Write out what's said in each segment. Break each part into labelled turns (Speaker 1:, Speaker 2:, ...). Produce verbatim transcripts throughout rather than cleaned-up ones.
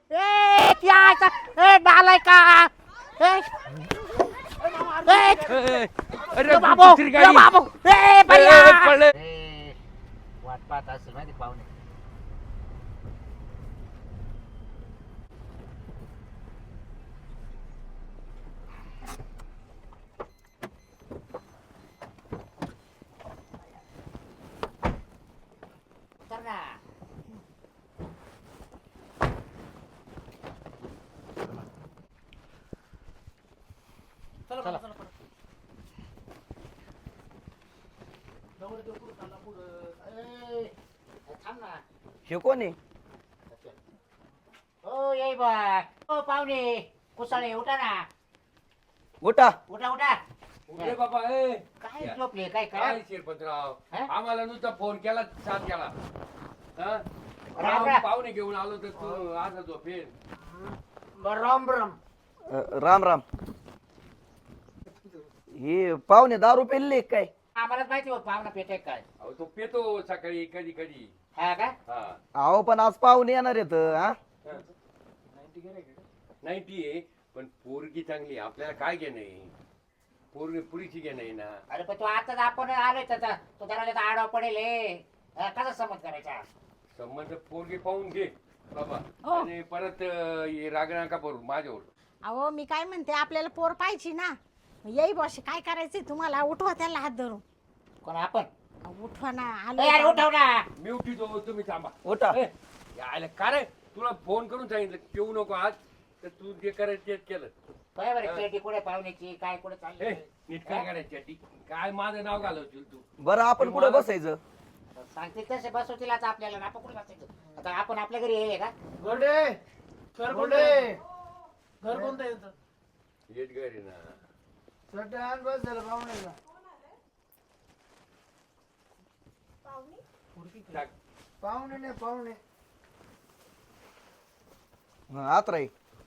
Speaker 1: ए क्या ए डालाय का ए ए
Speaker 2: अरे
Speaker 1: बाबू
Speaker 2: दुसरी गाडी.
Speaker 1: बाबू ए भैया
Speaker 2: ए, पडले.
Speaker 1: ए, वाट पाहत असेल माहिती पाहुणे उतर ना.
Speaker 3: चला चला
Speaker 1: ए, थांब ना.
Speaker 4: हे कोण आहे?
Speaker 1: ओ येई बा ओ पाहुणे कुसाळे उठा ना
Speaker 4: उठा.
Speaker 1: उठा उठा
Speaker 2: उठले बाबा ए
Speaker 1: काय झोपले काय
Speaker 2: काय
Speaker 1: काय
Speaker 2: शिरपतराव
Speaker 1: हा?
Speaker 2: आम्हाला नुसता फोन केला साथ केला हा?
Speaker 1: राम
Speaker 2: राम
Speaker 1: राम.
Speaker 2: पाहुणे घेऊन आलो तर तू आज झोपेल
Speaker 1: राम राम
Speaker 4: अ, राम राम. हे पाहुणे दारू पेलले काय?
Speaker 1: आम्हालाच माहिती होत पाहुणा पेटे काय
Speaker 2: अहो तो पेतो सकाळी कधी कधी
Speaker 1: हा का
Speaker 2: हा
Speaker 4: अहो पण आज पाहुणे येणार आहेत हा.
Speaker 2: नाईन्टी आहे पण पोरगी चांगली आहे. आपल्याला काय घेणं आहे पोरगी पुरीची घेणं आहे ना
Speaker 1: अरे पण तू आता आपण आलोय तर तो त्याला आडवा पडेल हे. हा, कसा समज करायचा
Speaker 2: संबंध पोरगी पाहून घे बाबा
Speaker 5: हो.
Speaker 2: आणि परत अं, हे रागणा का भरू माझ्यावर
Speaker 5: अहो मी काय म्हणते आपल्याला पोर पाहिजे ना येई बॉश काय करायचंय तुम्हाला उठवा त्याला हात धरून
Speaker 1: कोण आपण
Speaker 5: अहो, उठवा ना
Speaker 1: ए, अरे
Speaker 5: आलो
Speaker 1: उठव ना
Speaker 2: मी उठितो तुम्ही थांबा
Speaker 4: उठा.
Speaker 2: ए, यायला का रे तुला फोन करून सांगितलं पिऊ नको आज तर तू जे करायचं तेच केलं
Speaker 1: काय बरं पेटी कुठे पाहुण्याची काय कुठे
Speaker 2: ए
Speaker 1: चालली
Speaker 2: नीट काय करायची ती काय माझं नाव घालवशील तू
Speaker 4: बरं आपण कुठे बसायचं?
Speaker 1: सांगते तसे बसवतील आता आपल्याला ना आपण कुठे बसायचं आता आपण आपल्या घरी येईल का
Speaker 3: गोडे घर कोणते घर कोणतं येतं
Speaker 2: हेच घरी ना
Speaker 3: सटान बस झालं पाहुण्याला
Speaker 2: टाक.
Speaker 3: पाहुणे नाही पाहुणे
Speaker 4: हा, आत राही.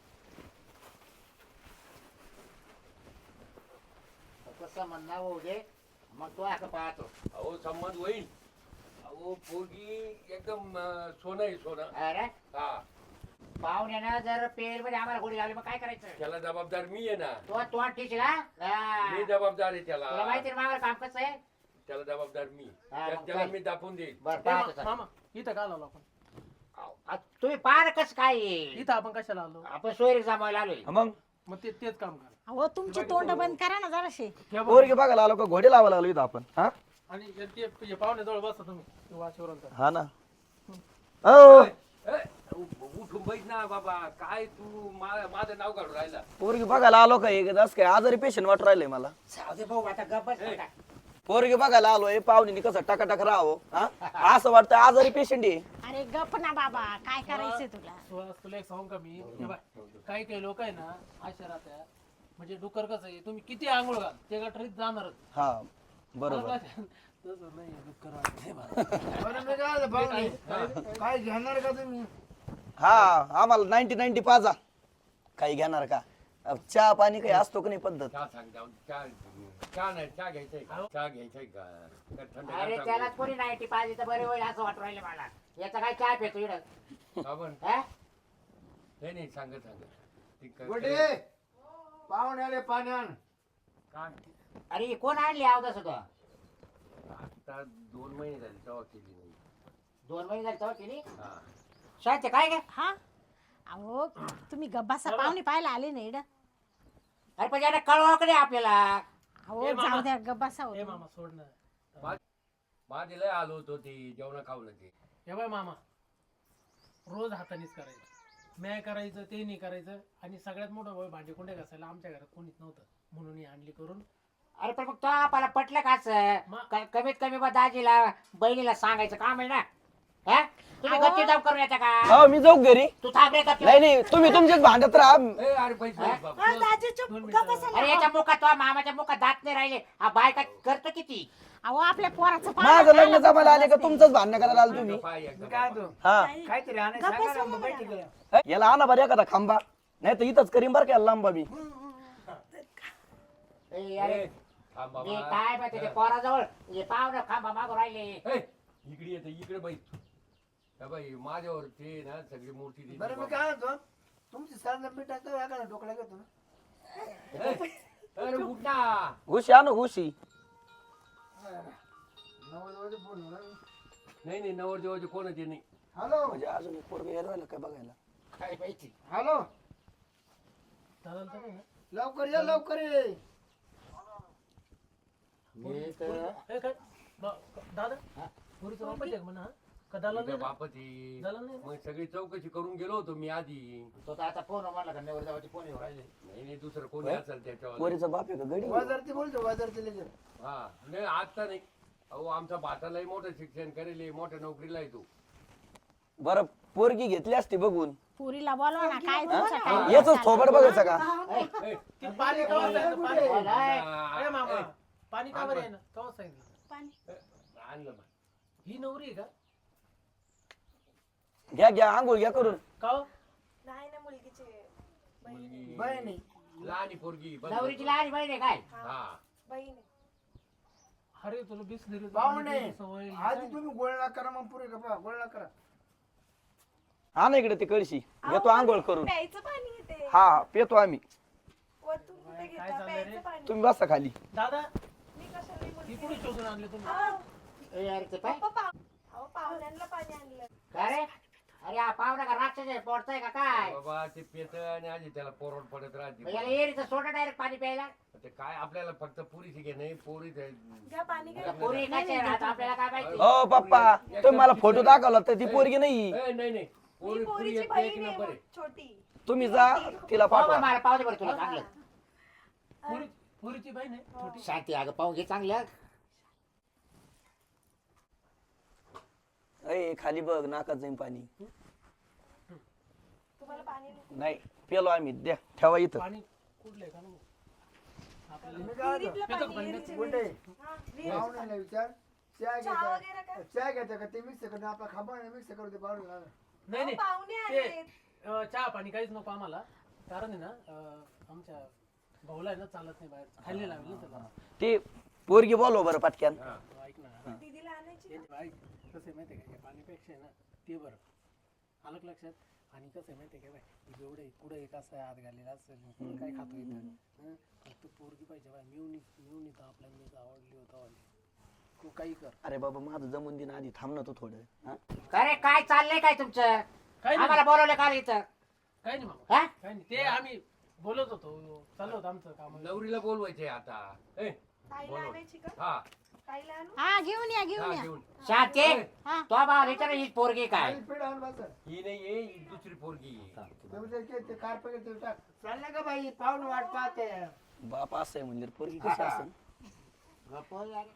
Speaker 1: कसं म्हणणं होऊ दे मग तो आता पाहतो
Speaker 2: अहो संबंध होईल अहो पोरगी एकदम अं, सोनं आहे सोनं
Speaker 1: अरे
Speaker 2: हा
Speaker 1: पाहुण्यानं जर पेल मध्ये आम्हाला गोळी लावली मग काय करायचं
Speaker 2: त्याला जबाबदार मी आहे ना
Speaker 1: तो तो ठीक आहे का हा.
Speaker 2: मी जबाबदार आहे
Speaker 1: तुला
Speaker 2: त्याला
Speaker 1: माहिती आहे ना मामाला काम कसं आहे
Speaker 2: त्याला जबाबदार मी
Speaker 1: हा,
Speaker 2: त्या-
Speaker 1: मग
Speaker 2: त्याला
Speaker 1: काय?
Speaker 2: मी दाखवून देईल
Speaker 1: बरं
Speaker 3: ए,
Speaker 1: पाहतो
Speaker 3: मा-
Speaker 1: चल.
Speaker 3: मामा इथं का आलो आपण
Speaker 1: आ, तुम्ही पाहा कसं काय आहे.
Speaker 3: इथं आपण कशाला आलो
Speaker 1: आपण सोयरी जमायला आलोय
Speaker 4: हा, मग
Speaker 3: मग ते तेच काम करा
Speaker 5: अहो तुमची तोंड बंद करा ना जराशे
Speaker 3: ठेवा.
Speaker 4: पोरगी बघायला आलो का घोडे लावायला आलो इथं आपण हा.
Speaker 3: आणि ते ते पाहुण्याजवळ बसा तुम्ही ते वाचेवर
Speaker 4: हा ना. हो
Speaker 2: ए, उठून बैठ ना बाबा काय तू मा- माझं नाव काढून राहिला
Speaker 4: पोरगी बघायला आलो का एक काय आजारी पेशंट वाटू राहिले मला.
Speaker 1: जाऊ दे भाऊ आता गप्पच
Speaker 2: ए.
Speaker 1: बघा.
Speaker 4: पोरगी बघायला आलोय पाहुणे कसं टाकाटाक राहावं हा असं वाटतं आजारी पेशंट आहे.
Speaker 5: अरे गप ना बाबा काय करायचंय तुला
Speaker 3: सुहास तुला एक सांगू का मी हे बाय काही काही लोक आहे ना अशा राहत्या म्हणजे डुकर कसं आहे तुम्ही किती आंघोळ घाल ते गटरीत जाणारच
Speaker 4: हा बरोबर.
Speaker 3: तसं नाही डुक्कर वाटते. काय घेणार का तुम्ही
Speaker 4: हा आम्हाला नाईन्टी नाईन्टी पाजा काही घेणार का? अब चहा पाणी काही असतो का नाही पद्धत?
Speaker 2: चहा सांग जाऊन चहा चहा नाही चहा घ्यायचंय का चहा घ्यायचंय का का थंड
Speaker 1: अरे त्याला कोणी नाईन्टी पाहिजे तर बरे होईल असं वाटू राहिले मला याचा काय चहा पितो इकडं
Speaker 2: आपण
Speaker 1: हा?
Speaker 2: नाही नाही सांगत सांगत ती क-
Speaker 3: गोडे पाहुणे आले पाण्यान
Speaker 2: काय
Speaker 1: अरे कोण आणली अवदास होता
Speaker 2: आता दोन महिने झाले तेव्हा केली नाही
Speaker 1: दोन महिने झाले तेव्हा केली
Speaker 2: हा
Speaker 1: शांत काय काय
Speaker 5: हा अहो तुम्ही गब्बासा पाहुणे पाहायला आले नाही इकडं.
Speaker 1: अरे पण याला कळवा कडे आपल्याला
Speaker 5: अहो
Speaker 3: ए, मामा.
Speaker 5: जाऊ द्या गब्बासा
Speaker 3: ए
Speaker 5: होतो
Speaker 3: मामा सोड ना
Speaker 2: माझे लय आलो होतो ते जेवण खाऊन ते
Speaker 3: हे बाय मामा रोज हातानेच करायचं मॅ करायचं ते नाही करायचं आणि सगळ्यात मोठं वय भांडी कुंडे घासायला आमच्या घरात कोणीच नव्हतं म्हणून ही आणली करून
Speaker 1: अरे पण मग तो आपल्याला पटलं का असं?
Speaker 3: मग?
Speaker 1: क- कमीत कमी बा दाजीला बहिणीला सांगायचं काम आहे ना हा तुम्ही
Speaker 5: अहो.
Speaker 1: गप्पी जाऊ करून येता का
Speaker 4: हो मी जाऊ घरी.
Speaker 1: तू थांब रे गप्पी.
Speaker 4: नाही नाही तुम्ही तुमच्याच भांडत राहा.
Speaker 2: ए अरे पैसे
Speaker 1: हा?
Speaker 2: बाबा
Speaker 5: अहो, दाजी चुप
Speaker 3: दोन मिनिटं.
Speaker 5: गप्प बसा
Speaker 1: अरे
Speaker 5: ना.
Speaker 1: याच्या मुखात तो मामाच्या मुखात दात नाही राहिले हा बायका करतो किती
Speaker 5: अहो आपल्या पोराचं
Speaker 4: माझं लग्न जमायला आले का तुमचंच भांडण करायला आलो तुम्ही?
Speaker 2: पाय एकदा
Speaker 3: काय
Speaker 2: बाबा.
Speaker 3: तू
Speaker 4: हा
Speaker 3: काहीतरी आणायचं
Speaker 5: गप्प
Speaker 3: सांगा
Speaker 5: बसा
Speaker 3: ना,
Speaker 5: ना
Speaker 3: बैठी
Speaker 5: मला.
Speaker 3: गेल्या.
Speaker 4: याला आणा बरं एखादा खांबा नाही तर इथंच करीन बरं का लांबा मी.
Speaker 1: ए, अरे
Speaker 2: ए, थांब बाबा.
Speaker 1: मी काय माहिती ते पोराजवळ हे पाहुणं खांबा मागू राहिले
Speaker 2: ए, इकडे येते इकडे बैठ त्या बाई माझ्यावरती ना सगळी मूर्ती दिली
Speaker 6: बरं मी
Speaker 2: बाबा.
Speaker 6: काय म्हणतो तुमची सांगा मी टाकतो एखादा ढोकळा घेतो ना
Speaker 2: ए, अरे उठ ना.
Speaker 4: घुशी आणू घुशी.
Speaker 6: नवरदेवाचे फोन होणार
Speaker 2: नाही नाही नवर देवाचे कोणाचे नाही.
Speaker 6: हॅलो
Speaker 4: म्हणजे अजून एक पोरग यायला राहिलं काय बघायला.
Speaker 1: काय माहिती
Speaker 6: हॅलो
Speaker 3: दादा तर नाही ना?
Speaker 6: लवकर ये लवकर ये
Speaker 1: मी तर
Speaker 3: ए, काय ब- दादा पुरीचं वापस आहे का म्हणा हा? का दाला
Speaker 2: तिच्या
Speaker 3: नाही ना?
Speaker 2: बापाची
Speaker 3: झालं नाही ना?
Speaker 2: मग सगळी चौकशी करून गेलो होतो मी आधी.
Speaker 1: तो तर आता फोन म्हणला का नवर जावाची फोन येऊ राहिले
Speaker 2: नाही नाही दुसरं कोणी असेल त्याच्यावर.
Speaker 4: पोरीचा बाप आहे का गडी.
Speaker 6: बाजारती बोलतो बाजारती लेकर
Speaker 2: हा नाही आता नाही. अहो आमचा भातालाही मोठं शिक्षण करेल मोठ्या नोकरीला आहे तू.
Speaker 4: बरं पोरगी घेतली असती बघून.
Speaker 5: पुरीला बोलवा ना काय तुमचं काय
Speaker 4: याच थोबड बघायचं का.
Speaker 2: ए,
Speaker 3: ती पाणी कवा सांगितलं पाणी
Speaker 2: आ,
Speaker 3: ए मामा
Speaker 2: ए,
Speaker 3: पाणी का बरं आहे ना कवा सांगितलं
Speaker 5: पाणी
Speaker 2: आणलं बा.
Speaker 3: ही नवरी आहे का
Speaker 4: घ्या घ्या आंघोळ घ्या करून.
Speaker 3: का हो?
Speaker 7: नाही ना मुलगीचे
Speaker 2: मुलगी
Speaker 6: बहिणी
Speaker 2: लहानी पोरगी बस.
Speaker 1: नवरीची लहान बहीण आहे काय
Speaker 2: हा
Speaker 7: बहीण आहे.
Speaker 3: अरे तुला बिस्लरी
Speaker 6: पाहुणे
Speaker 3: सवय
Speaker 6: आधी तुम्ही गोळणा करा मग पुरे का पहा गोळणा करा
Speaker 4: हा ना इकडे ते कळशी घेतो आंघोळ करून.
Speaker 7: प्यायचं पाणी येते
Speaker 4: हा पेतो आम्ही.
Speaker 7: वरतून कुठे
Speaker 3: काय
Speaker 7: घेता
Speaker 3: चाललंय रे?
Speaker 7: प्यायचं पाणी
Speaker 4: तुम्ही बसा खाली.
Speaker 3: दादा
Speaker 7: मी कशाला
Speaker 3: ही
Speaker 7: मुलगी
Speaker 3: कुठे शोधून आणले तुम्ही
Speaker 7: अहो,
Speaker 1: ए, अरे ते पाय
Speaker 7: पप्पा पाव अहो पाहुण्यांना पाणी आणलं
Speaker 1: काय रे अरे हा पाहुणा का राक्षस आहे पोटताय का काय
Speaker 2: बाबा ते पेत आणि आधी त्याला पोरवड पडत
Speaker 1: मग
Speaker 2: राहते.
Speaker 1: याला एरीचं सोडा डायरेक्ट पाणी प्यायला
Speaker 2: ते काय आपल्याला फक्त पुरीची घे नाही पोरी ते-
Speaker 7: घ्या पाणी घ्या
Speaker 1: पोरी काय आता आपल्याला काय माहिती
Speaker 4: ओ पप्पा तुम्ही मला फोटो दाखवला तर ती पोरगी नाही.
Speaker 2: ए, नाही नाही
Speaker 7: मी
Speaker 2: पोरी पुरी
Speaker 7: पोरीची
Speaker 2: एक एक
Speaker 7: बहीण
Speaker 2: नंबर
Speaker 7: आहे
Speaker 2: आहे.
Speaker 7: छोटी
Speaker 4: तुम्ही जा तिला
Speaker 1: पाहू
Speaker 4: पाठवा.
Speaker 1: बरं मला पाहू दे बरं तुला चांगलं
Speaker 3: पुरी पुरीची बहीण आहे छोटी
Speaker 1: शांती अगं पाहून घे चांगलं
Speaker 4: अय खाली बघ नाकात जाईन पाणी.
Speaker 7: तुम्हाला पाणी नको?
Speaker 4: नाही पेलो आम्ही. द्या ठेवा इथं.
Speaker 3: पाणी कुठलं आहे का नको? आपल्याला
Speaker 6: मी काय म्हणतो
Speaker 7: विहिरीतलं
Speaker 3: पेतात
Speaker 7: पाणी,
Speaker 3: पाणी.
Speaker 7: विहिरीचं
Speaker 6: कुठे
Speaker 7: हा, विहिरीचं.
Speaker 6: पाहुण्याला विचार चहा
Speaker 7: चहा
Speaker 6: घ्यायचा
Speaker 7: वगैरे काय?
Speaker 6: चहा घ्यायचा का ते मिक्स करून आपला खाबा मिक्स करून ते पाहुणे
Speaker 3: नाही
Speaker 7: अहो,
Speaker 3: नाही
Speaker 7: पाहुणे
Speaker 3: ते
Speaker 7: आले
Speaker 3: अं, चहा पाणी काहीच नको आम्हाला कारण आहे ना अं, आमच्या भाऊला आहे ना चालत नाही बाहेर खाली लावेल ना त्याला
Speaker 4: ते पोरगी बोलव बरं पटक्यान.
Speaker 2: हा.
Speaker 3: ऐक ना
Speaker 7: दीदीला आणायची
Speaker 3: ते ऐक कसं आहे माहिती आहे का या पाणीपेक्षा आहे ना ते बरं आलं का लक्षात. आणि कसं आहे माहिती आहे का बाय जेवढे कुठं एक असं हात घालेला असेल कुठं काय खातो इथं हं? फक्त पोरगी पाहिजे बाय मिळून मिळून इथं आपल्याला मी आवडली होता तू काही कर
Speaker 4: अरे बाबा माझं जमून दिन आधी थांब ना तू थोडं. हा?
Speaker 1: अरे काय चाललंय काय तुमचं
Speaker 3: काय
Speaker 1: आम्हाला
Speaker 3: नाही
Speaker 1: बोलवलं का रे इथं
Speaker 3: काय नाही मामा
Speaker 1: हा
Speaker 3: काय नाही ते आम्ही बोलत होतो चालू होतं आमचं काम
Speaker 2: नवरीला बोलवायचे आता. ए,
Speaker 7: ताईला
Speaker 2: बोलव.
Speaker 7: आणायची का
Speaker 2: हा
Speaker 7: ताईला आणू
Speaker 5: हा घेऊन या
Speaker 2: हा,
Speaker 5: घेऊन या
Speaker 2: घेऊन.
Speaker 1: शांती
Speaker 5: हा
Speaker 1: तो भाव विचार ही पोरगी काय
Speaker 6: आणि पीठ आण बस
Speaker 2: ही नाही आहे, ही दुसरी पोरगी आहे.
Speaker 6: ते ते- ते कार पकडे ते टाक चाललं का बाई पाहुणे वाट पाहते
Speaker 4: बाप असं आहे म्हणजे पोरगी कशी असेल.
Speaker 1: गप्प हो यार.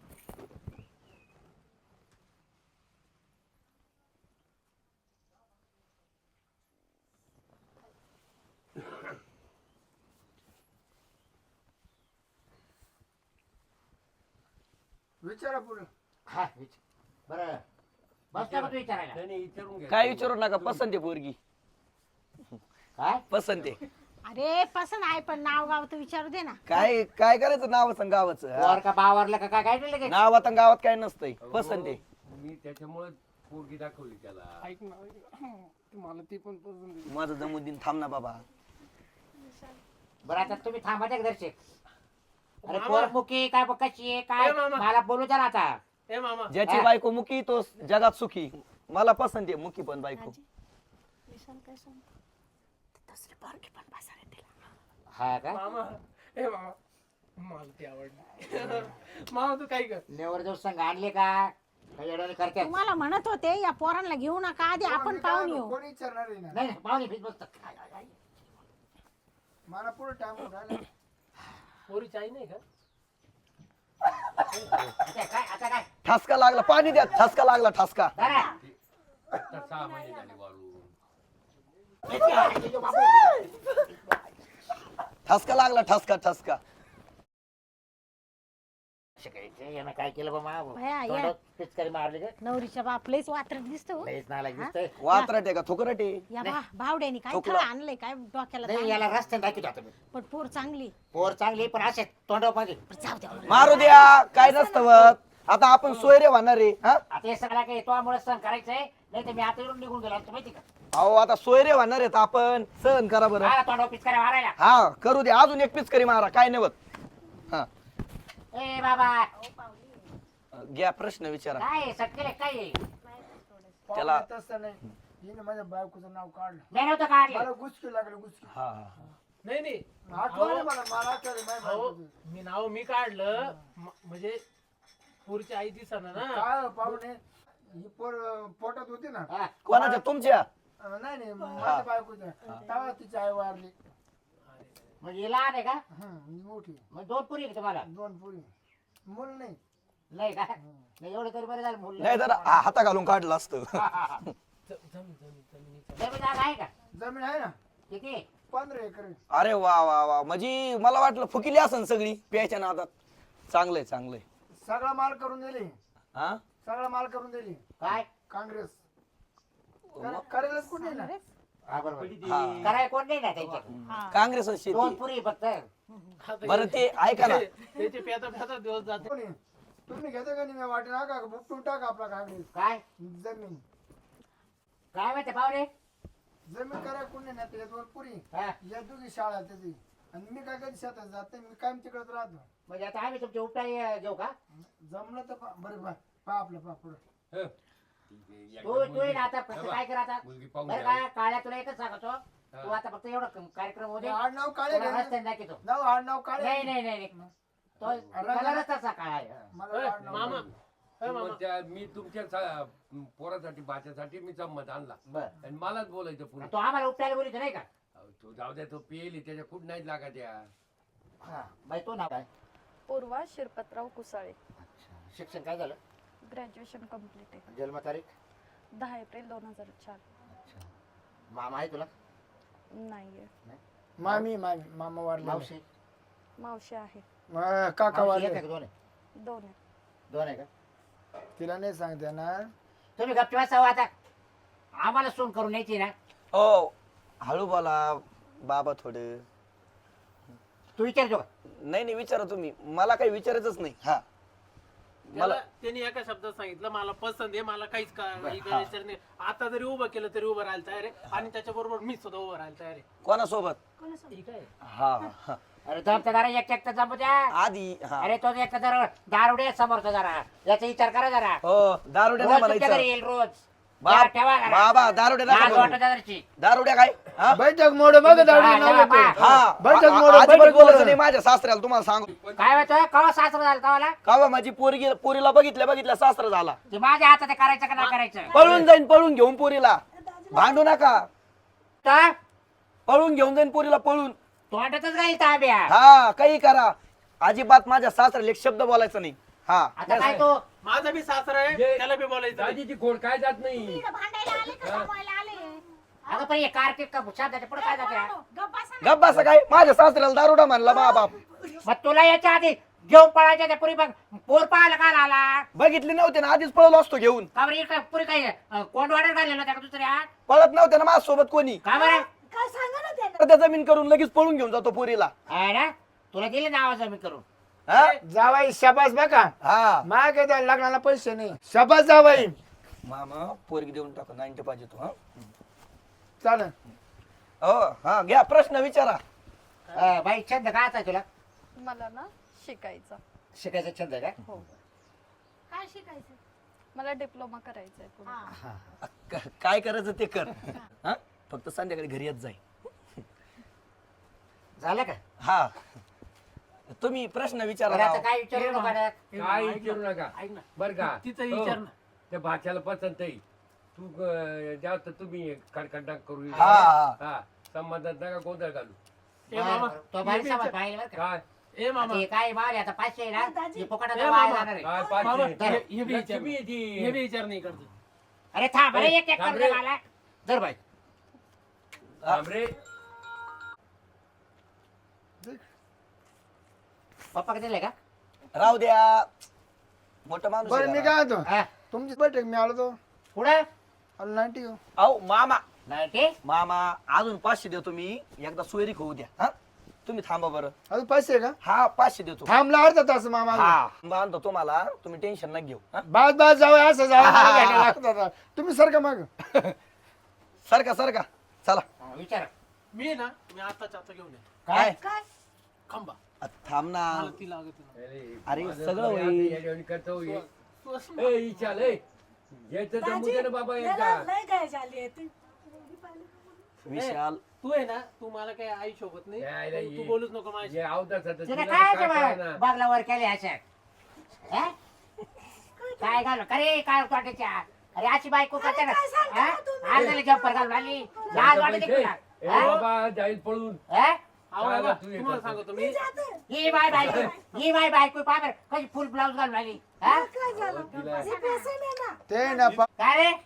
Speaker 6: विचारा पुढे
Speaker 1: हा, विच- बरं बस का तू विचारायला
Speaker 2: नाही नाही विचारून घ्या.
Speaker 4: काय विचारू नका पसंत आहे पोरगी.
Speaker 1: काय
Speaker 4: पसंत आहे.
Speaker 5: अरे पसंत आहे पण नाव गाव तर विचारू दे ना
Speaker 4: काय काय करायचं नावाचं गावाचं.
Speaker 1: वर
Speaker 4: हा?
Speaker 1: का बावरलं का काय काय नाही लगेच
Speaker 4: नावात आणि गावात काय नसतंय पसंत आहे.
Speaker 2: मी त्याच्यामुळे पोरगी दाखवली त्याला.
Speaker 3: ऐक ना ऐक ना. मला ती पण पसंत आहे.
Speaker 4: माझं जमून दिन थांब ना बाबा.
Speaker 1: बरं आता तुम्ही थांबा त्या दर्शक अरे
Speaker 3: मामा.
Speaker 1: पोर मुकी काय ब- कशी आहे काय
Speaker 3: ए, मामा.
Speaker 1: मला बोलू द्या ना आता
Speaker 3: ए मामा
Speaker 4: ज्याची
Speaker 1: हा.
Speaker 4: बायको मुकी तो जगात सुखी. मला पसंत आहे मुकी पण बायको.
Speaker 5: विशाल काय सांग दुसरी पोरगी पण बसायला तिला
Speaker 1: हा का
Speaker 3: मामा ए मामा मला ती आवडली मामा तू काय कर
Speaker 1: नेवर दिवस संघ आणले का काही अडवणे करते
Speaker 5: तुम्हाला म्हणत होते या पोरांना घेऊ नका आधी आपण पाहून येऊ
Speaker 6: कोणी विचारणार आहे ना
Speaker 1: नाही नाही, पाहुणे फिट बसतात
Speaker 6: मला पुढे टाइम राहिला
Speaker 3: पोरीची आई नाही का
Speaker 1: आता काय आता काय
Speaker 4: ठसका लागला पाणी द्या. ठसका लागला ठसका.
Speaker 1: धरा.
Speaker 2: आता सहा महिने झाले वाळून.
Speaker 4: ठसका लागला ठसका ठसका.
Speaker 1: शिकायचं, यानं काय केलं बा मा
Speaker 5: भया, या.
Speaker 1: तोंडात पिचकारी मारली का
Speaker 5: नवरीच्या बाप लयच वात्रट दिसतो
Speaker 1: लईच नालायक दिसतंय
Speaker 4: वात्रट आहे का थोकरट आहे.
Speaker 5: या बा भावड्यानी काय
Speaker 4: ठोकला.
Speaker 5: थळ आणलंय काय डोक्याला
Speaker 1: नाही
Speaker 5: ताण.
Speaker 1: याला रस्त्याने दाखवतो आता मी
Speaker 5: पण पोर चांगली
Speaker 1: पोर चांगली पण असे तोंडावर पाहिजे
Speaker 5: जाऊ दे
Speaker 4: मारू द्या काय नसतं होत. आता आपण सोयरे होणार आहे. हा
Speaker 1: आता हे सगळं काही तो मुळे सण करायचंय नाही तर मी आता येऊन निघून गेलो असतो माहिती का
Speaker 4: अहो आता सोयरे होणार आहेत आपण सहन करा बरं
Speaker 1: हा तोंड ऑफिस करा मारायला
Speaker 4: हा करू दे अजून एक पीस करी मारा काय नाही होत हा
Speaker 1: ए बाबा
Speaker 4: घ्या प्रश्न विचारा
Speaker 1: काय सटकेले काय आहे?
Speaker 4: त्याला-
Speaker 6: पाहुणे तसं नाही हिने माझ्या बायकोचं नाव काढलं
Speaker 1: मी नव्हतं काढलं
Speaker 6: मला गुचकी लागलं गुचकी
Speaker 4: हा हा
Speaker 3: नाही नाही
Speaker 6: आठवलं मला मला आठवलं माझ्या
Speaker 3: अहो,
Speaker 6: बायकोचं.
Speaker 3: मी नाव मी काढलं म- म्हणजे पुरची आई दिसना ना
Speaker 6: काय पाहुणे ही पोर पोटात होती ना
Speaker 1: हा.
Speaker 4: कोणाच्या तुमच्या
Speaker 6: अं, नाही नाही माझ्या बायकोच्या तेव्हा तिची आई वारली
Speaker 1: म्हणजे हे लहान आहे का
Speaker 6: हं, ही मोठी
Speaker 1: मग दोन पुरी आहे का तुम्हाला
Speaker 6: दोन पुरी मूल नाही
Speaker 1: नाही का नाही एवढं तरी बरं झालं मुलं
Speaker 4: नाही तर हाता घालून काढलं असतं
Speaker 3: ज- जमीन जमीन जमिनीचा
Speaker 1: जमीन जागा आहे का
Speaker 6: जमीन आहे ना
Speaker 1: किती
Speaker 6: पंधरा एकर आहे.
Speaker 4: अरे वा वा वा म्हणजे मला वाटलं फुकिली असन सगळी प्यायच्या नादात चांगलंय चांगलंय
Speaker 6: सगळा माल करून दिली
Speaker 4: हा
Speaker 6: सगळा माल करून दिली
Speaker 1: काय
Speaker 6: काँग्रेस कर- करेलच कुठे ना
Speaker 1: हा बरोबर
Speaker 4: हा.
Speaker 1: करायला कोण नाही ना त्यांच्या
Speaker 4: काँग्रेस
Speaker 1: दोन
Speaker 4: शेती
Speaker 1: पुरी फक्त
Speaker 3: आता
Speaker 4: बरं ते ऐका ना
Speaker 3: त्याचे पेता पेता दिवस जाते
Speaker 6: कोणी तुम्ही घेता का नाही वाटे नका बुकटून टाका आपला काँग्रेस
Speaker 1: काय
Speaker 6: जमीन
Speaker 1: काय माहिती पाहुणे
Speaker 6: जमीन करा कोणी नाही त्याच्यात वर पुरी
Speaker 1: हा.
Speaker 6: या दोघी शाळा त्याची आणि मी काय कधी शेतात जात नाही मी कायम तिकडच राहतो
Speaker 1: म्हणजे आता आम्ही तुमचे उपटाई घेऊ का
Speaker 6: जमलं तर पहा. बरं पा पहा आपलं पहा पुढं
Speaker 2: हं.
Speaker 1: तू तू ये ना आता फक्त काय कर आता
Speaker 2: मुलगी पाहून
Speaker 1: बरं
Speaker 2: द्या.
Speaker 1: का काळ्या तुला एकच सांगतो तू आता फक्त एवढं क- कार्यक्रम होते
Speaker 6: आड नाव काळे
Speaker 1: तुला
Speaker 6: घे.
Speaker 1: रस्त्याने दाखवतो
Speaker 6: नाव आड नाव काळे
Speaker 1: नाही नाही नाही नाही. तो कलरच तसा काळा आहे
Speaker 6: मला
Speaker 3: ए,
Speaker 6: आड नाव
Speaker 3: मामा
Speaker 6: काळे.
Speaker 3: ए, मामा
Speaker 2: मग त्या- मी तुमच्या सा- पोरासाठी बाच्यासाठी मी जम्मत आणला
Speaker 1: बरं
Speaker 2: आणि मलाच बोलायचं पुढे
Speaker 1: तो आम्हाला उपटायला बोलितो नाही का
Speaker 2: तो जाऊ द्या तो पेली त्याच्या कुठ नाहीत लागा त्या
Speaker 1: हा बाई तो नाव काय
Speaker 7: पूर्वा शिरपतराव कुसाळे
Speaker 1: शिक्षण काय झालं
Speaker 7: ग्रॅज्युएशन कम्प्लीट आहे
Speaker 1: जन्मतारीख
Speaker 7: दहा एप्रिल दोन हजार चार
Speaker 1: मामा आहे तुला
Speaker 7: नाहीये
Speaker 6: मामी मामी मामा वारले
Speaker 1: मावशी
Speaker 7: मावशी आहे
Speaker 6: मा- काका
Speaker 1: मावशी एक
Speaker 6: वारले
Speaker 1: आहे का दोन आहे
Speaker 7: दोन आहे
Speaker 1: दोन आहे का
Speaker 6: तिला नाही सांगते ना
Speaker 1: तुम्ही गप्पी वाचावं आता आम्हाला सोन करून यायची ना
Speaker 4: हो हळू बोला बाबा थोडं
Speaker 1: तू विचारतो का
Speaker 4: नाही नाही विचारा तुम्ही मला काही विचारायचंच नाही हा
Speaker 3: मला त्यांनी एका शब्दात सांगितलं मला पसंत आहे मला काहीच का- काही करायचं नाही आता जरी उभं केलं तरी उभं राहायला तयार आहे आणि त्याच्याबरोबर मी सुद्धा उभं राहायला तयार आहे
Speaker 4: कोणासोबत
Speaker 3: ठीक आहे
Speaker 4: हा हा.
Speaker 1: अरे जमता जरा एक एक जमू द्या
Speaker 4: आधी हा
Speaker 1: अरे तो एक जरा दारुडे समोरचा जरा याचा विचार करा जरा
Speaker 4: हो दारुड्या
Speaker 1: रोज
Speaker 4: नाही
Speaker 1: तुमच्या घरी
Speaker 4: म्हणायचं
Speaker 1: येईल रोज
Speaker 4: बाप-
Speaker 1: या, ठेवा जरा.
Speaker 4: बाबा दारुड्या
Speaker 1: लाज
Speaker 4: नका
Speaker 1: वाटत
Speaker 4: म्हणू.
Speaker 1: जराची.
Speaker 4: दारुड्या काय हा?
Speaker 6: बैठक मोड बघ दाढी
Speaker 1: हा,
Speaker 6: नाव
Speaker 1: हा,
Speaker 6: येतं.
Speaker 4: हा
Speaker 6: बैठक
Speaker 4: आ-
Speaker 6: मोड,
Speaker 4: आ- अजिबात
Speaker 6: बैठक
Speaker 4: बोलायचं
Speaker 6: मोड.
Speaker 4: नाही माझ्या सासऱ्याला तुम्हाला सांगू
Speaker 1: काय होतं कवा सासरा झाला कवाला
Speaker 4: का बा माझी पोरगी पोरीला बघितल्या बघितल्या सासरा झाला
Speaker 1: ते माझ्या हातात आहे, करायचं का नाही करायचं
Speaker 4: पळून जाईन पळून घेऊन पोरीला भांडू नका
Speaker 1: तर
Speaker 4: पळून घेऊन जाईन पोरीला पळून
Speaker 1: तोंडातच राहील ताब्या
Speaker 4: हा काही करा अजिबात माझ्या सासऱ्याला एक शब्द बोलायचा नाही हा
Speaker 1: आता काय तो
Speaker 3: माझा बी सासरा आहे त्याला बी बोलायचं नाही.
Speaker 2: दाजीची खोड काय जात नाही
Speaker 5: इकडं भांडायला आले का जमवायला आले
Speaker 1: अगं पण हे कार्तिक का शब्दाच्या पुढे काय जाते
Speaker 5: गप्प बसा.
Speaker 4: गप्प असं काय माझ्या सासऱ्याला दारुडा म्हणला बा बाप
Speaker 1: मग तुला याच्या आधी घेऊन पळायच्या त्या पुरी बघ पोर पाहायला काय आला
Speaker 4: बघितली नव्हते ना आधीच पळलो असतो घेऊन
Speaker 1: का बरं इकडे पुरी काय कोंड वाढत घालेलं त्या दुसऱ्या
Speaker 4: पळत नव्हते ना माझ्यासोबत कोणी
Speaker 1: का बरं
Speaker 5: काय सांगा ना त्यानं
Speaker 4: तर त्या जमीन करून लगेच पळून घेऊन जातो पोरीला
Speaker 1: आहे ना तुला दिले ना आवाज मी करून
Speaker 4: हा
Speaker 6: जावाई शाबास बघा
Speaker 4: हा
Speaker 6: मा काय त्या लग्नाला पैसे नाही शाबास जावाई
Speaker 4: मामा पोरगी देऊन टाका नाईन्टी पाहिजे तू हा
Speaker 6: चालेल
Speaker 4: हो हा घ्या प्रश्न विचारा
Speaker 1: अं, बाई छंद काय आहे तुला
Speaker 7: मला ना शिकायचं
Speaker 1: शिकायचा छंद आहे का
Speaker 7: हो
Speaker 5: काय शिकायचं
Speaker 7: मला डिप्लोमा करायचा आहे पुढे
Speaker 5: हा.
Speaker 4: क- काय करायचं ते कर हा फक्त संध्याकाळी घरी येत जाई
Speaker 1: झालं का
Speaker 4: हा तुम्ही प्रश्न विचारा
Speaker 1: बरं, आता
Speaker 4: राव.
Speaker 1: काय विचारू नका बरं.
Speaker 2: काय विचारू नका
Speaker 3: ऐक ना
Speaker 2: बर का
Speaker 3: तिचं
Speaker 2: हो.
Speaker 3: विचार ना
Speaker 2: त्या भाच्याला पसंत आहे तू अं, जास्त तुम्ही कडकडा करू
Speaker 4: हा, हा.
Speaker 2: हा संबंधात नका गोंधळ घालू
Speaker 3: ए मामा
Speaker 1: तो
Speaker 3: हे
Speaker 1: भारी
Speaker 3: बी
Speaker 1: समाज
Speaker 3: विचार-
Speaker 1: पाहिलं बरं का
Speaker 2: काय
Speaker 3: ए मामा
Speaker 1: आता हे काय माल आता पाचशे आहे ना
Speaker 5: दाजी.
Speaker 1: हे फुकटात
Speaker 3: ए,
Speaker 1: वाया
Speaker 3: मामा.
Speaker 1: जाणार आहे
Speaker 2: काय
Speaker 3: मामा
Speaker 2: पाचशे
Speaker 3: हे हे बी विचार
Speaker 2: लक्ष्मी आहे ती.
Speaker 3: हे बी विचार नाही करतो
Speaker 1: अरे थांब अरे एक एक
Speaker 2: थांब
Speaker 1: करू
Speaker 2: रे.
Speaker 1: दे मला जर बाई
Speaker 2: थांब रे
Speaker 1: पप्पा का दिले का
Speaker 4: राहू द्या मोठं माणूस
Speaker 6: बरं
Speaker 4: आहे
Speaker 6: मी
Speaker 4: जरा.
Speaker 6: काय होतो
Speaker 1: हा
Speaker 6: तुमची बैठक मी आलो तो
Speaker 1: पुढं
Speaker 6: आलो नाईन्टी घेऊ
Speaker 4: अहो मामा
Speaker 1: नाही ते
Speaker 4: मामा अजून पाचशे देतो मी एकदा सोयरी होऊ द्या हा तुम्ही थांबा बरं.
Speaker 6: अजून पैसे आहे का
Speaker 4: हा पाचशे देतो.
Speaker 6: थांबला अर्धा तास मामा
Speaker 4: हा बांधतो तुम्हाला, तुम्ही टेन्शन नका घेऊ. हा?
Speaker 6: बाज बाज जाऊ असं जाऊ मला भेटायला लागत होता. तुम्ही सर का मग
Speaker 4: सरका सरका चला.
Speaker 1: हा, विचार
Speaker 3: मी आहे ना मी आताच्या आता घेऊन येतो
Speaker 4: काय
Speaker 5: काय
Speaker 3: खंबा
Speaker 4: अ, थांब ना.
Speaker 3: मला ती लागत नाही.
Speaker 4: अरे,
Speaker 2: माझं
Speaker 4: सगळं
Speaker 2: तो
Speaker 4: होईल.
Speaker 2: या- या- या- करतो हे.
Speaker 3: तू असं
Speaker 2: ए, इचाल, ए. याचं तर मुद्दे ना बाबा एकदा.
Speaker 4: विशाल
Speaker 3: तू आहे ना तू मला काय आई शोभत नाही
Speaker 2: यायला
Speaker 3: तू- तू
Speaker 2: ये.
Speaker 3: बोलूच नको माझ्या
Speaker 2: जे अवताचं
Speaker 1: तुला
Speaker 2: तुला
Speaker 1: काय
Speaker 2: काय कळेना.
Speaker 1: बागला वर केले अशा हा? काय घालू अरे काय वाटायच्या अरे अशी बायको करते ना अर्धाला जम्पर घालून आली लाज वाटते
Speaker 2: पैसे.
Speaker 1: तुला
Speaker 2: ए,
Speaker 1: हा?
Speaker 2: बाबा जाईल पळून.
Speaker 1: हा?
Speaker 3: अहो,
Speaker 2: काय
Speaker 3: बाबा,
Speaker 2: तू हे
Speaker 3: तुम्हाला
Speaker 2: करतो?
Speaker 3: सांगतो मी
Speaker 1: ही बाय बायको ही बाय बायको पाबर कशी फुल ब्लाऊज घालून आली हा?
Speaker 2: तिला-
Speaker 6: ते ना पा-
Speaker 1: काय रे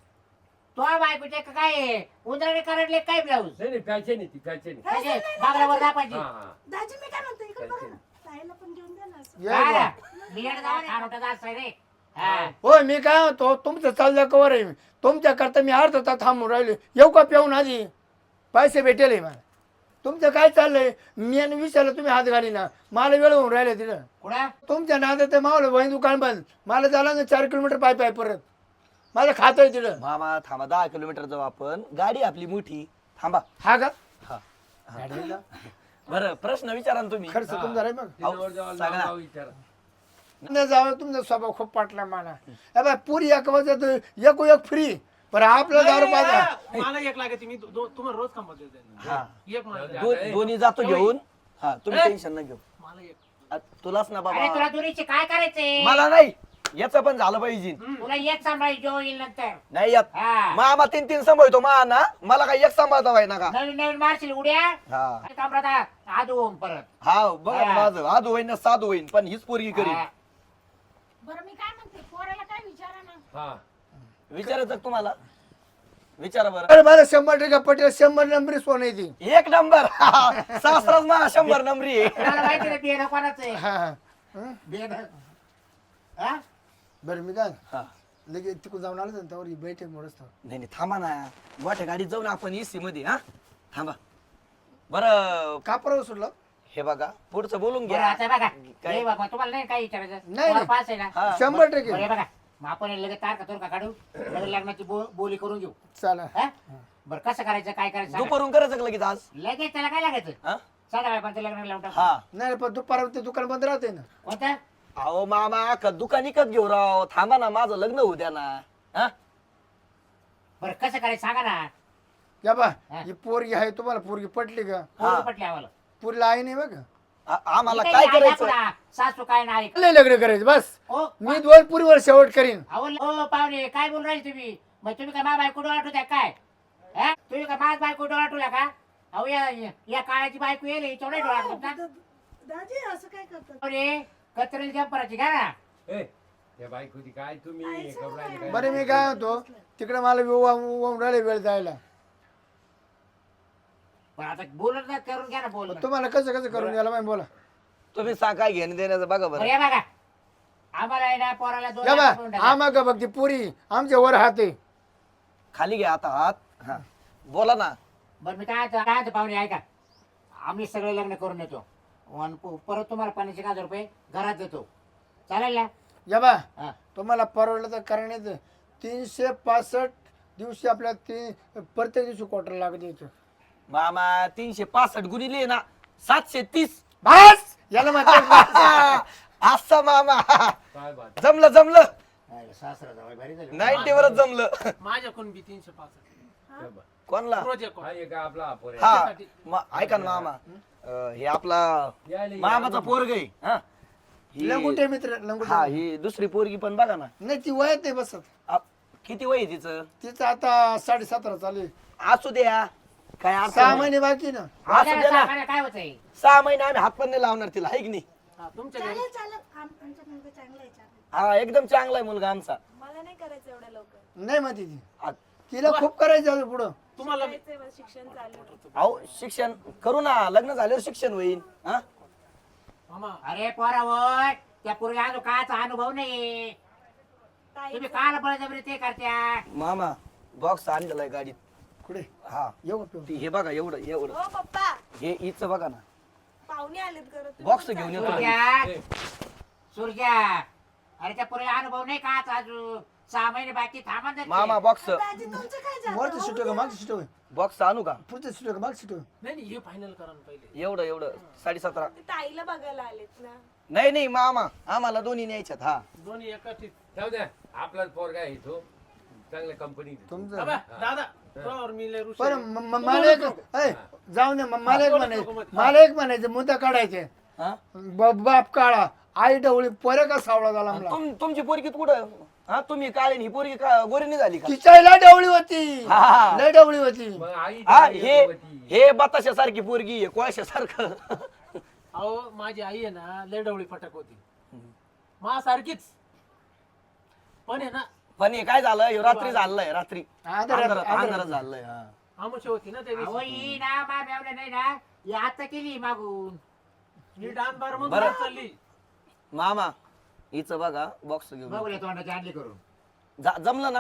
Speaker 1: तो बायकोचे का काय उंदराने करडले काय ब्लाऊज
Speaker 2: नाही नाही फॅशन आहे ती फॅशन आहे.
Speaker 1: म्हणजे बागलावर दापायची
Speaker 2: हा, हा.
Speaker 5: दाजी मी काय म्हणते इकडे बघा
Speaker 2: फॅशन.
Speaker 5: ना ताईला पण घेऊन द्या ना असं.
Speaker 6: ये
Speaker 1: काय
Speaker 6: बुवा.
Speaker 1: रे? मी येणं जावं खारोटा जास्त आहे रे हा.
Speaker 6: होय मी काय होतो तुमचं चाललं कवर आहे तुमच्या करता मी अर्धा तास थांबून राहिले येऊ का पिऊन आधी पैसे भेटेल मला तुमचं काय चाललंय मी आणि विचारलं तुम्ही हात घाली ना मला वेळ होऊन राहिले तिथं
Speaker 1: कुठं
Speaker 6: तुमच्या नादात ते मावलं वही दुकान बंद मला झालं ना चार किलोमीटर पाय पाय परत माझं खात आहे तिथं
Speaker 4: मामा थांबा, दहा किलोमीटर जाऊ आपण. गाडी आपली मोठी. थांबा.
Speaker 6: हा का
Speaker 4: हा.
Speaker 6: गाडीला
Speaker 4: बरं प्रश्न विचारा ना तुम्ही.
Speaker 6: खर्च तुमचा रे मग
Speaker 2: तिच्यावर जावं,
Speaker 4: सगळा.
Speaker 2: नाव विचारा.
Speaker 6: नाही जावं तुमचा स्वभाव खूप पाटला मला ए बाय पुरी एक वाजत एक एक फ्री पण आपलं दारू पाहिजे
Speaker 3: मला एक लागते मी दो- दो- तुम्हाला रोज खंबा देते
Speaker 4: हा.
Speaker 3: एक मला द्या.
Speaker 4: दो- दोन्ही जातो घेऊन. हा तुम्ही टेन्शन न घेऊ.
Speaker 3: मला एक
Speaker 4: आ, तुलाच ना
Speaker 1: अरे तुला
Speaker 4: बाबा.
Speaker 1: दुरीचे काय करायचंय
Speaker 4: मला नाही, याचं पण झालं पाहिजे.
Speaker 1: तुला एक सांभाळी जो येईल नंतर
Speaker 4: नाही यात
Speaker 1: हा.
Speaker 4: मामा तीन तीन सांभाळतो मा ना, मला काय एक सांभाळता पाहिजे ना का.
Speaker 1: नवीन नवीन मारशील उड्या
Speaker 4: हा
Speaker 1: आणि कमरात आदू होऊन परत
Speaker 4: हा बघा
Speaker 1: हा.
Speaker 4: माझं आजू होईन ना साधू होईन, पण हीच पोरगी करीन.
Speaker 1: हा.
Speaker 5: बरं मी काय म्हणते पोराला काय विचारा ना
Speaker 2: हा.
Speaker 4: विचारायचं का तुम्हाला? विचारा बरं.
Speaker 6: अरे मला शंभर टक्के पटेल शंभर नंबरी सोन येते
Speaker 4: एक नंबर. सासराच मा शंभर नंबरी आहे.
Speaker 1: तुला माहिती ना बियाणं कोणाचं आहे
Speaker 6: हा हा हं?
Speaker 1: बियाणं हा?
Speaker 6: बरं मी काय
Speaker 4: हा.
Speaker 6: लगेच तिकडून जाऊन आलं ना त्यावर ही बैठक मोडच
Speaker 4: नाही नाही थांबा ना, मोठ्या गाडीत जाऊ ना आपण एसी मध्ये. हा थांबा बरं.
Speaker 6: का परवा सुटलं
Speaker 4: हे बघा पुढचं बोलून
Speaker 1: बरं
Speaker 4: घ्या.
Speaker 1: आता बघा
Speaker 4: काय?
Speaker 1: हे बाबा तुम्हाला नाही काय विचारायचं
Speaker 6: नाही,
Speaker 1: तुम्हाला
Speaker 6: नाही.
Speaker 1: पास आहे ना
Speaker 4: हा.
Speaker 6: शंभर
Speaker 1: बरं
Speaker 6: टक्के
Speaker 1: हे बघा मग आपण हे लगेच तारखा तुरखा काढू लगेच लग्नाची बो- बोली करून घेऊ
Speaker 6: चला
Speaker 1: हा? बरं कसं करायचं काय करायचं सांगा.
Speaker 4: दुपारून करायचं का लगेच आज?
Speaker 1: लगेच त्याला काय लागायचं
Speaker 4: हा?
Speaker 1: साधा पण लग्न लावून टाकू.
Speaker 4: हा.
Speaker 6: नाही पण दुपार ते दुकान बंद राहते ना
Speaker 1: कोणतं
Speaker 4: अहो मामा का दुकान इकत घेऊ राव. थांबा ना, माझं लग्न होऊ द्या ना. हा?
Speaker 1: बरं कसं करायचं सांगा ना
Speaker 6: या बा
Speaker 1: हा.
Speaker 6: ही पोरगी आहे तुम्हाला पोरगी पटली का
Speaker 1: पोरगी पटली आम्हाला
Speaker 6: पुरीला आई नाही बघ
Speaker 4: आ- आम्हाला
Speaker 1: ही
Speaker 4: काय
Speaker 1: काही
Speaker 4: करायचं?
Speaker 1: दाखवला, सासू काय नाही
Speaker 6: लय लग्न करायचं बस
Speaker 1: ओ
Speaker 6: मी दोन पुरीवर शेवट करीन
Speaker 1: अहो ओ पाहुणे काय बोलून राहिले तुम्ही मग तुम्ही काय मा बायको डोळा ठेवत्या काय हा? तुम्ही काय माझ बायको डोळा ठेवला का अहो या या काळाची बायको येईल हिच्यावर नाही डोळा ठेवता
Speaker 5: दाजी असं काय करतात
Speaker 1: पाहुणे कत्रेल जंपराची घ्या ना
Speaker 2: ए, त्या बायकोची काय तुम्ही हे करू राहिले काय?
Speaker 6: बरं मी काय होतो तिकडे मला विवाह राहिले वेळ जायला
Speaker 1: पण आता बोलत ना करून घ्या ना बोल
Speaker 6: तुम्हाला कसं कसं करून द्यायला माहिती बोला
Speaker 4: तुम्ही सांग काय घेणं देण्याचं बघा बरं.
Speaker 1: बरं बघा आम्हाला आहे ना पोराला दोन
Speaker 6: या
Speaker 1: लाख रुपये
Speaker 6: बा
Speaker 1: टाका.
Speaker 6: आम्हा का बघ ती पुरी आमच्या वर हात आहे
Speaker 4: खाली घ्या आता हात. हा बोला ना.
Speaker 1: बरं मी काय म्हणतो- काय म्हणतो पाहुणे ऐका आम्ही सगळे लग्न करून येतो आणि प- परत तुम्हाला पन्नास एक हजार रुपये घरात देतो चालेल ना
Speaker 6: या बा
Speaker 1: हा.
Speaker 6: तुम्हाला परवडलं तर करण्याचं तीनशे पासष्ट दिवशी आपल्याला तीन प्रत्येक दिवशी क्वार्टर लागत यायचं
Speaker 4: मामा तीनशे पासष्ट गुणिले ना सातशे तीस.
Speaker 6: बस याला म्हणतात
Speaker 4: असा मामा.
Speaker 2: काय बात.
Speaker 4: जमलं जमलं.
Speaker 1: सासरा जावई भारी झाली.
Speaker 4: नाईन्टी वरच जमलं.
Speaker 3: माझ्याकडून बी तीनशे पासष्ट
Speaker 2: काय बात.
Speaker 4: कोणला?
Speaker 3: रोज एक
Speaker 2: हा एक आपला हा पोर आहे.
Speaker 4: हा म- ऐका ना मामा, अं, हे आपला
Speaker 2: यायला-
Speaker 4: मामाचा पोरग आहे. हा ही-
Speaker 6: लंगुटे मित्र
Speaker 4: हा
Speaker 6: लंगुटे
Speaker 4: ही दुसरी पोरगी पण बघा ना.
Speaker 6: नाही ती वयात नाही बसत
Speaker 4: आ, किती वय आहे तिचं?
Speaker 6: तिचं आता साडे सतरा चालू आहे.
Speaker 4: असू द्या काय अडचण
Speaker 6: सहा
Speaker 4: नाही.
Speaker 6: महिने बाकी ना
Speaker 4: असू द्या ना.
Speaker 1: साखरेला काय होतंय
Speaker 4: सहा महिने आम्ही हात पण नाही लावणार तिला, आहे की नाही?
Speaker 3: हा, तुमच्या घरी
Speaker 5: चालेल चालेल आम- आमचा मुलगा चांगला आहे चालेल
Speaker 4: हा एकदम चांगला आहे मुलगा आमचा.
Speaker 8: मला नाही करायचं एवढ्या लवकर.
Speaker 6: नाही म्हणते ती
Speaker 4: आ,
Speaker 6: तिला खूप करायचं अजून पुढं
Speaker 3: तुम्हाला
Speaker 8: करायचंय बस, शिक्षण चालू आहे.
Speaker 4: अहो शिक्षण करू ना, लग्न झाल्यावर शिक्षण होईल. हा
Speaker 3: मामा
Speaker 1: अरे पोरा होय त्या पूर्वी अजून काचा अनुभव नाही
Speaker 8: ताई,
Speaker 1: तुम्ही काल बळजबरी ते करत्या
Speaker 4: मामा बॉक्स आणलेला आहे गाडीत.
Speaker 6: कुठे
Speaker 4: हा
Speaker 6: येऊ का पिऊ?
Speaker 4: ती हे बघा एवढं एवढं
Speaker 8: हो पप्पा,
Speaker 4: हे हिचं बघा ना.
Speaker 8: पाहुणे आलेत घरात तुम्ही
Speaker 4: बॉक्स
Speaker 8: कुठं
Speaker 4: घेऊन
Speaker 8: चालले?
Speaker 4: येतो
Speaker 1: सूर्या सूर्या अरे त्या पुरेला अनुभव नाही का आता अजून सहा महिने बाकी थांबा ना ते.
Speaker 4: मामा बॉक्स
Speaker 8: दाजी तुमचं काय झालं?
Speaker 6: वरती सीट का मागची सीट होय
Speaker 4: बॉक्स आणू का
Speaker 6: पुढचं सीट का मागची सीट होय
Speaker 3: नाही नाही हे फायनल करा ना पहिले
Speaker 4: एवढं एवढं साडेसतरा
Speaker 8: ते ताईला बघायला आलेत ना
Speaker 4: नाही नाही मामा आम्हाला दोन्ही न्यायच्यात हा
Speaker 3: दोन्ही एका ठीक
Speaker 2: जाऊ द्या आपलाच पोरगा आहे तो चांगल्या कंपनी
Speaker 6: तुमचं
Speaker 3: दादा तुझ्यावर मी लय रुसलो.
Speaker 6: बरं म- म- मला एक ऐ, जाऊ दे म- मला एक म्हणायचं मला एक म्हणायचं मुद्दा काढायचे
Speaker 4: हा?
Speaker 6: ब- बाप काळा आई डवळी पोरे का सावळा झाला
Speaker 4: आणि
Speaker 6: मला
Speaker 4: तुम- तुमची पोरगी कुठं हा तुम्ही काळे ही पोरगी का गोरी नाही झाली का
Speaker 6: तिच्या लय डवळी होती
Speaker 4: हा.
Speaker 6: लय डवळी होती
Speaker 2: मग आई
Speaker 4: हा
Speaker 2: चांगली
Speaker 4: हे
Speaker 2: होती.
Speaker 4: हे बताशा सारखी पोरगी आहे कोळशा सारखं
Speaker 3: अहो माझी आई आहे ना लय डवळी फटक होती मा सारखीच पण आहे ना
Speaker 4: पण हे काय झालं हे रात्री झालंय रात्री
Speaker 6: अंधारात-
Speaker 4: अंधारात
Speaker 6: अंधारात.
Speaker 4: अंधारात झालंय हा
Speaker 3: आमुष होती ना त्या
Speaker 1: अहो
Speaker 3: दिवशी
Speaker 1: ही ना मा मेवल्या नाही ना ही आता केली मागून
Speaker 3: ही डान बार मग
Speaker 4: बरं.
Speaker 3: चालली
Speaker 4: मामा हिचं बघा बॉक्स घेऊन
Speaker 1: बघूया तोंडाची आणली करून
Speaker 4: जा- जमलं ना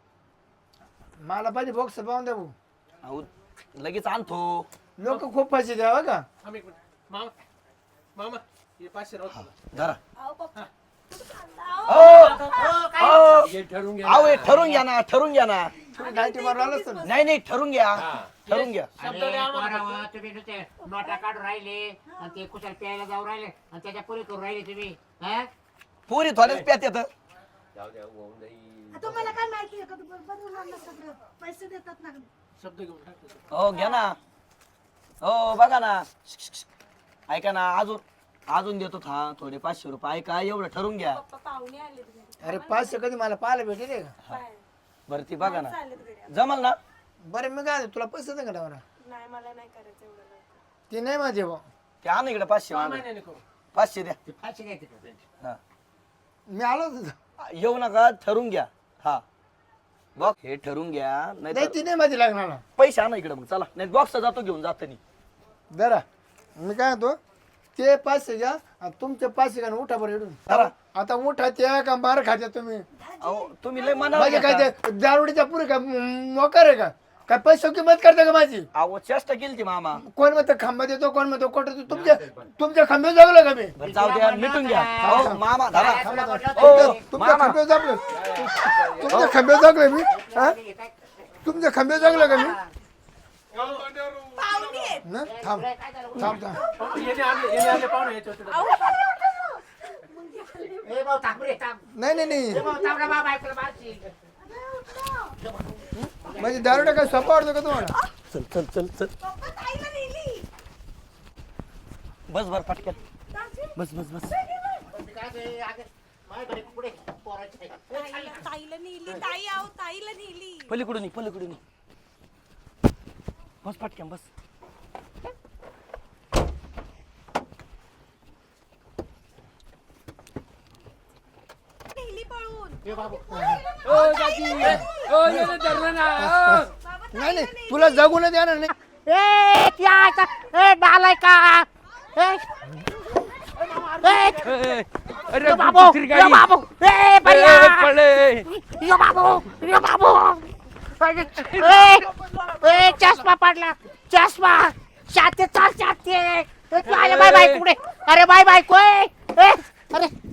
Speaker 6: मला पाहिजे बॉक्स पाहून द्या भाऊ
Speaker 4: अहो, लगेच आणतो
Speaker 6: लोक खूप पैसे द्यावं का
Speaker 3: थांब एक मिनिट मामा मामा हे पाचशे राहू तुला.
Speaker 4: धरा
Speaker 8: अहो पप्पा
Speaker 4: ओ, ओ,
Speaker 2: हे ठरवून घ्या
Speaker 4: अहो हे
Speaker 2: ना.
Speaker 4: ठरून घ्या ना ठरून घ्या ना
Speaker 6: तुम्ही नाईन्टी मारून आलाच तर
Speaker 4: नाही नाही ठरून घ्या ठरून घ्या
Speaker 3: शब्द
Speaker 1: अरे
Speaker 3: द्या आम्हाला
Speaker 1: पोरावं, तुम्ही नुसते नोटा काढून राहिले आणि ते कुशाल प्यायला जाऊ राहिले आणि त्याच्या पुरी करून राहिले तुम्ही हा?
Speaker 4: पोरी थोड्याच प्यात येत
Speaker 2: जाऊ द्या होऊन जाईल.
Speaker 5: तुम्हाला काय माहिती आहे का तू बनवून आणलं सगळं पैसे देतात ना
Speaker 3: शब्द घेऊन टाक
Speaker 4: हो घ्या ना हो बघा ना ऐका ना अजून अजून देतो था थोडे पाचशे रुपये ऐका एवढं ठरून घ्या
Speaker 8: पप्पा पाहुणे आलेत घरी
Speaker 6: अरे पाचशे कधी मला पाहायला भेटेल का
Speaker 8: बाहेर
Speaker 4: बरं ती बघा ना
Speaker 8: माणसं आलेत घरी
Speaker 4: जमल ना
Speaker 6: बरं मी काय तुला पैसे दे का डावरा
Speaker 8: नाही मला नाही करायचं एवढं लवकर
Speaker 6: ते नाही माझे भाऊ
Speaker 4: ते आण इकडे पाचशे
Speaker 3: सहा
Speaker 4: मागं.
Speaker 3: महिन्याने करू
Speaker 4: पाचशे द्या
Speaker 1: ते फाशी घ्यायची का त्यांची?
Speaker 4: हा
Speaker 6: मी आलो होतो
Speaker 4: येऊ नका ठरून घ्या हा बघ हे ठरून घ्या नाही
Speaker 6: नाही ती नाही माझी लागणार ना
Speaker 4: पैसे आणा इकडे मग चला नाही बॉक्स जातो घेऊन जातानी
Speaker 6: जरा मी काय म्हणतो ते पाचशे घ्या आणि तुमचे पाचशे घ्या आणि उठा बरं इकडून
Speaker 4: जरा
Speaker 6: आता उठा त्या का मार खात्या तुम्ही
Speaker 4: अहो तुम्ही लय मना
Speaker 6: माझे काय ते दारुडीच्या पुरे का मोकार आहे का काय पैसे किंमत करता का माझी
Speaker 4: अहो चेष्टा केली ती मामा
Speaker 6: कोण म्हणतं खांबा देतो कोण म्हणतो कोट देतो तुमच्या तुमच्या खांबे जगलं का मी
Speaker 4: बरं जाऊ द्या मिटून घ्या हो मामा धरा
Speaker 1: काय तुला म्हटलं
Speaker 4: हो,
Speaker 1: होतं ते?
Speaker 6: तुमच्या खांबे जगलं तुमच्या खांबे जगलं मी हा? तुमच्या खांबे जगलं का मी
Speaker 8: पाहुणे आहेत.
Speaker 6: ना थांब
Speaker 1: काय झालं?
Speaker 6: थांब थांब
Speaker 3: येणे आणले येणे आणले पाहुणे याच्यावर
Speaker 1: ए भाऊ थांब रे थांब
Speaker 6: नाही नाही नाही
Speaker 1: ए भाऊ थांब ना बाबा ऐकलं मारशील.
Speaker 6: म्हणजे दारुडा काय सोपा वाटतो का तुम्हाला
Speaker 4: चल चल चल चल
Speaker 8: पप्पा ताईला नेली
Speaker 4: बस बर पटकन बस बस बस
Speaker 1: मी काय ते आगे माझ्याकडे पुढे पोराची आहे.
Speaker 8: ताईला ताईला नेली ताई आहो ताईला नेली
Speaker 4: पलीकडून ये, पलीकडून ये. बस पटकन बस
Speaker 8: नेली पळून
Speaker 1: ए बाबू
Speaker 6: नाही नाही तुला जगू नाही देणार नाही
Speaker 1: ए त्या ए डालाय का ए
Speaker 2: अरे
Speaker 1: बाबू यो बाबू ए भैया यो बाबू यो बाबू ए ए चष्मा पडला चष्मा शाते चाल शाते बाय बाय कुठे अरे बाय बाय कोय ए अरे